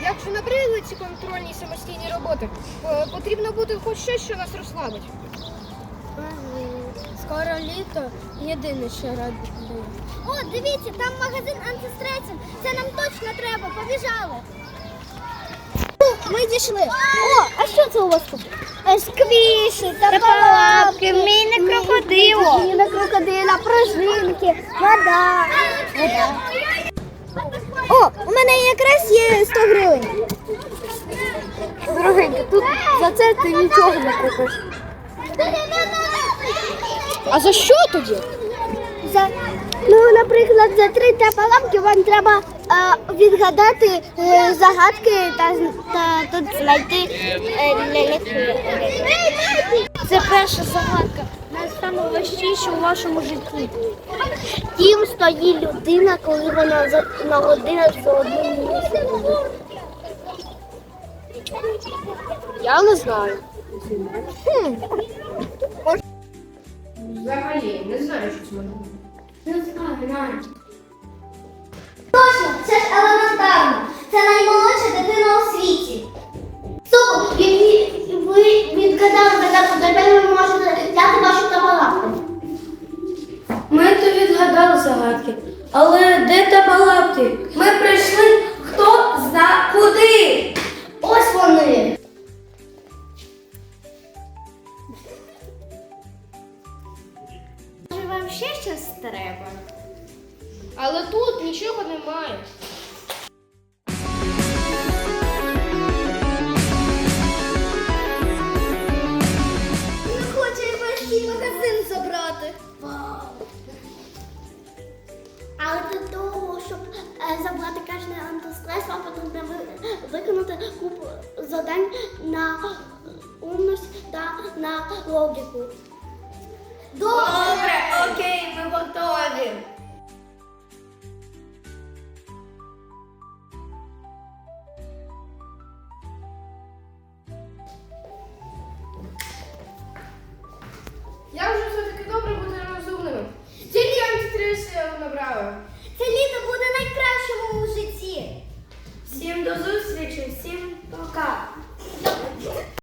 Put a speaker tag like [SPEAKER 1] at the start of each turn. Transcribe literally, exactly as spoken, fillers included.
[SPEAKER 1] Якщо набридли ці контрольні самостійні роботи, е, потрібно буде хоч щось, що нас розслабить.
[SPEAKER 2] Скоро літо, єдине, що радує.
[SPEAKER 3] О, дивіться, там магазин антистресів. Це нам точно треба. Побіжали. Ми дійшли. О, а що це у вас тут? Сквіші, та палапки, міні-крокодило. Міні-крокодила, пружинки, вода. вода. О, у мене якраз є сто гривень.
[SPEAKER 2] Дорогенька, тут за це ти нічого не купиш.
[SPEAKER 1] А за що тоді?
[SPEAKER 3] За, ну, наприклад, за три тапаламки вам треба е, відгадати е, загадки та, та тут знайти е, ляльки.
[SPEAKER 2] Це перша загадка, найсамоважчіша у вашому житті.
[SPEAKER 3] Тім стоїть людина, коли вона за, на годину за одним місцем.
[SPEAKER 1] Я не знаю.
[SPEAKER 3] Хм.
[SPEAKER 1] Взагалі, не знаю, що це може бути.
[SPEAKER 3] Не знаю, навіть. Точно, це ж елементарно. Це наймолодша дитина у світі. Супер, ви, ви відгадали загадку, тепер ви можете взяти вашу табалапку.
[SPEAKER 2] Ми то відгадали загадки, але де табалапки? Ми прийшли, хто зна куди.
[SPEAKER 3] Ось вони.
[SPEAKER 2] Може, вам ще щось треба?
[SPEAKER 1] Але тут нічого немає.
[SPEAKER 3] Не хочу я весь цей магазин забрати. Але для того, щоб е, забрати кожний антистрес, вам потрібно ви- виконати купу завдань на умність та на логіку.
[SPEAKER 2] Добре, окей, ми готові.
[SPEAKER 1] Я вже все-таки добре бути розумними. Тільки антистрес набрала.
[SPEAKER 3] Це літо буде найкращим у житті.
[SPEAKER 2] Всім до зустрічі, всім пока.